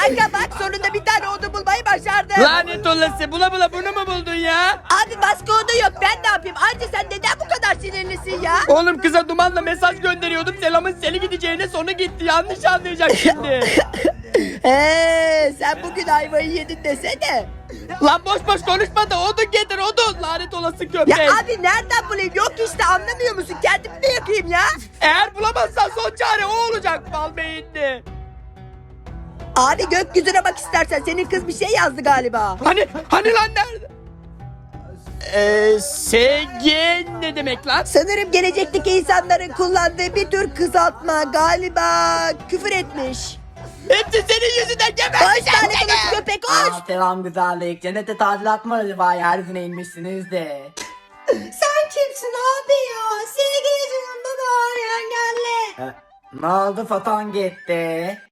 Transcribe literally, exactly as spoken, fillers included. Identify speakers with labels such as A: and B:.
A: Kanka bak sonunda bir tane odun bulmayı başardım.
B: Lanet olası, bula bula bunu mu buldun ya?
A: Abi başka oda yok, ben ne yapayım? Ayrıca sen neden bu kadar sinirlisin ya?
B: Oğlum kıza dumanla mesaj gönderiyordum. Selamın seni gideceğine sonra gitti. Yanlış anlayacak şimdi.
A: Eee sen bugün ayvayı yedin desene.
B: Lan boş boş konuşma da odun getir odun. Lanet olası köpek.
A: Ya abi nereden bulayım? Yok işte, anlamıyor musun? Kendim mi yapayım ya?
B: Eğer bulamazsan son çare o olacak bal beyinli.
A: Abi gökyüzüne bak istersen, senin kız bir şey yazdı galiba.
B: Hani hani lan nerede? Eee S G ne demek lan?
A: Sanırım gelecekteki insanların kullandığı bir tür kısaltma, galiba küfür etmiş.
B: Hepsi senin yüzünden
A: Hoş
B: geberteceğim
A: lanet
B: seni.
A: olası köpek hoş.
C: Aa, selam güzellik. Cennete tadilat mı acaba? Yeryüzüne inmişsiniz de.
A: Sen kimsin abi ya? Seni geleceğim baba, engelli.
C: E, ne oldu, foton gitti.